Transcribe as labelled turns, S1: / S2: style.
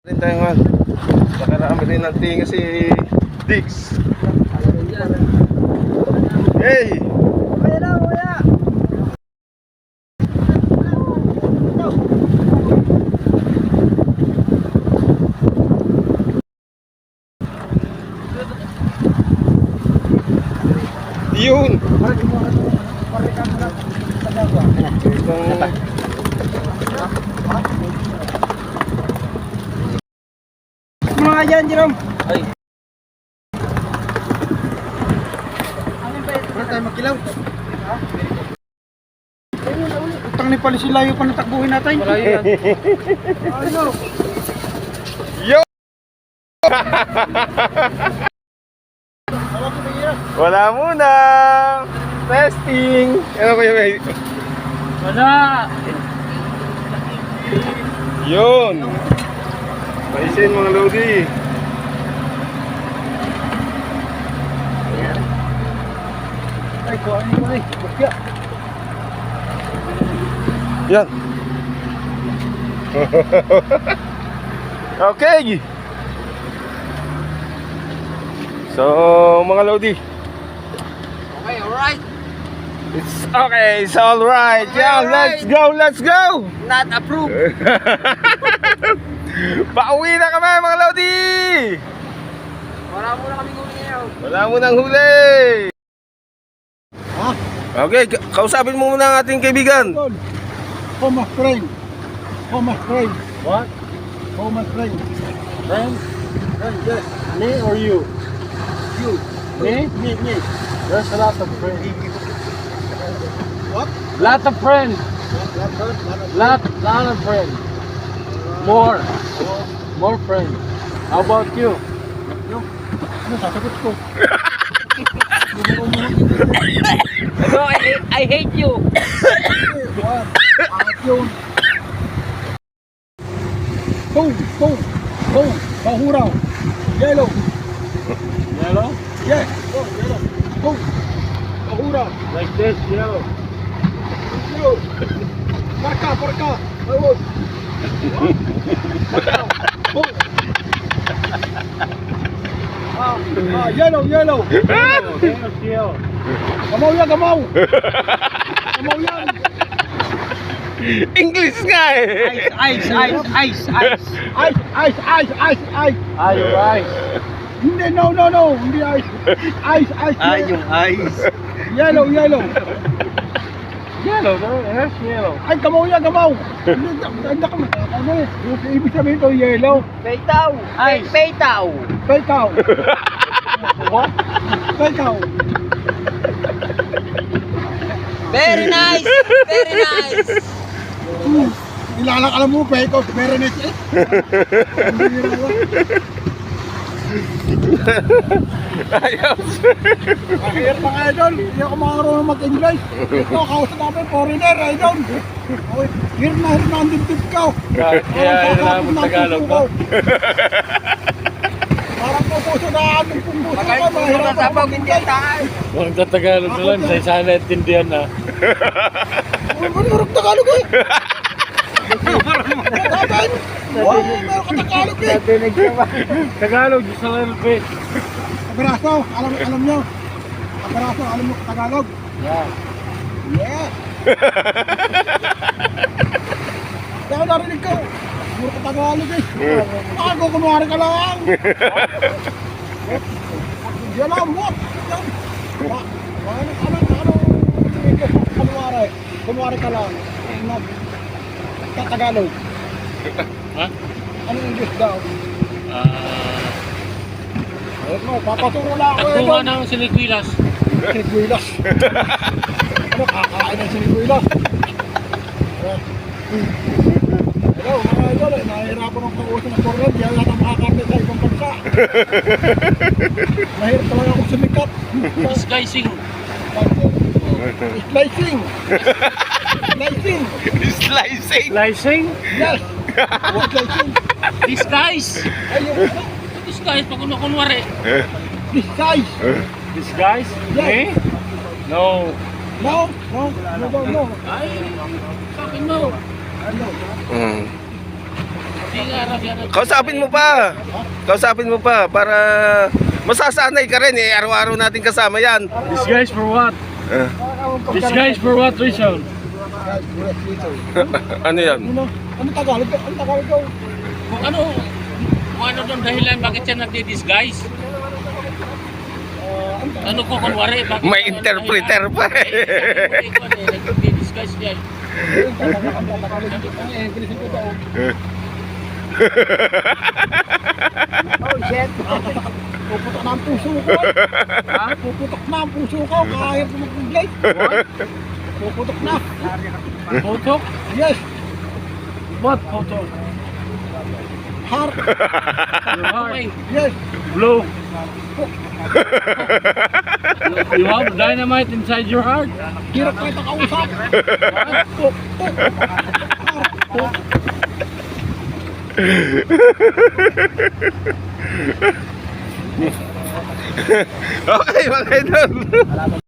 S1: Rin tayo nga. Nakarami rin ng tinga si Dix. Hey! Yun!
S2: Mga dyan, Jerome.
S1: Ay.
S2: Wala tayo magkilaw. Utang ni pala sila yung panatakbuhin natin.
S1: Malayo yan.
S2: Ano?
S1: Yo! Wala muna! Testing! Ano ba yung
S2: Wala.
S1: Yun! Paisin mga Lodi.
S2: Ay, kuhaan mo ay. Bakya.
S1: Yan. Okay. So, mga Lodi.
S2: Okay, alright.
S1: It's okay, it's alright. Yeah, let's go, let's go!
S2: Not approved.
S1: Pauwi na kami mga Lodi!
S2: Wala muna kami huli ngayon.
S1: Wala mo nang huli!
S2: Ha?
S1: Okay, kausapin mo muna ang ating kaibigan.
S2: Home of friend. Home of friend.
S1: What?
S2: Home of friend.
S1: Friend?
S2: Friend, yes.
S1: Me or you?
S2: You.
S1: Me?
S2: Me.
S1: There's a lot of friends.
S2: What?
S1: Lot of friends. Lot of friends. More friends. How about you?
S2: Ano sasagot ko?
S3: No, I hate you.
S2: Juan. Angat yun. Boom. Bahuraw. Yellow.
S1: Yellow?
S2: Yes. Oh, yellow. Boom. Bahuraw.
S1: Like this, yellow.
S2: Yellow. Parka. Ayun. Boom. Yellow.
S1: Yellow.
S2: Gamaw yan. Gamaw yan.
S1: English nga eh!
S2: Ice.
S3: Ice.
S1: Are you right?
S2: Hindi, no. Hindi ice. Ice.
S3: Yung ice.
S2: Yellow.
S1: Yellow, no? Here's yellow.
S2: Ay, gamaw yan. Hindi, ano eh. Ibig sabihin ito, yellow.
S3: Peitaw. Ice. Peitaw.
S2: Pekaw.
S1: What?
S2: Pekaw.
S3: Very nice.
S2: Alam mo, pekaw. Meron eh.
S1: Ayos!
S2: Mahirap mga idol. Hindi ako makarunong mag-English. Ito, kausap namin, foreigner, idol. Hirap na ang dibdib ka.
S1: Kaya alam mo Tagalog ba?
S2: Parang pupuso na aming pupuso ka. Mahirap ako mag-English.
S4: Huwag sa Tagalog na lang, sa isa na intindihan na.
S2: Manurog Tagalog eh. Dapat. Meron ka Tagalog eh.
S4: Tagalog, just a little bit.
S2: Abraso, alam nyo. Abraso, alam mo Tagalog.
S4: Yeah.
S2: Yeah. Kaya narinig ko. Puro ka Tagalog eh. Ako, kunwari ka lang. Yan lang, what? Kunwari ka lang. Tagalog.
S4: Ha?
S2: Anong English daw? Papaturo lang ako
S4: Ako nga ng sinikwilas.
S2: Sinigwilas. Ano, kakain ng sinigwilas? Hello, mga idol. Nahihirapan ang kausap ng Cornel. Di yata makakarne sa ibang bansa. Mahirap talaga akong sumikat.
S4: Disguising.
S2: Slicing.
S1: Slicing!
S4: Slicing?
S2: Yes. Slicing.
S4: Disguise.
S2: Ayun.
S4: Disguise, pag kunwari.
S2: Disguise.
S4: Disguise?
S2: Yes.
S4: Me? No.
S2: No.
S4: Ay, sa akin no.
S2: Ano?
S1: Mm.
S4: Di nga raw yan.
S1: Kausapin mo pa. Kausapin mo pa para masasanay ka rin eh. Araw-araw natin kasama yan.
S4: Disguise for what?
S1: Ah,
S4: Disguise for what reason?
S1: ano yan?
S2: Ano Tagalog? Ano Tagalog daw?
S4: Kung ano doon dahilan bakit siya nagdi-disguise? Ano ko kunwari? Bakit
S1: May interpreter pa eh.
S4: Nagdi-disguise siya.
S2: Ang English ito daw.
S3: Oh, shit.
S2: Puputok na ang puso ko. Ha? Puputok na ang puso ko. Kahit mo mag-English. Puputok na.
S4: Photo?
S2: Yes.
S4: What photo?
S2: Heart.
S4: Your heart.
S2: Yes.
S4: Blue. You have dynamite inside your heart?
S2: Hirap na ito kausap. Puk, puk. Heart. Puk.
S1: Okay, mga idol.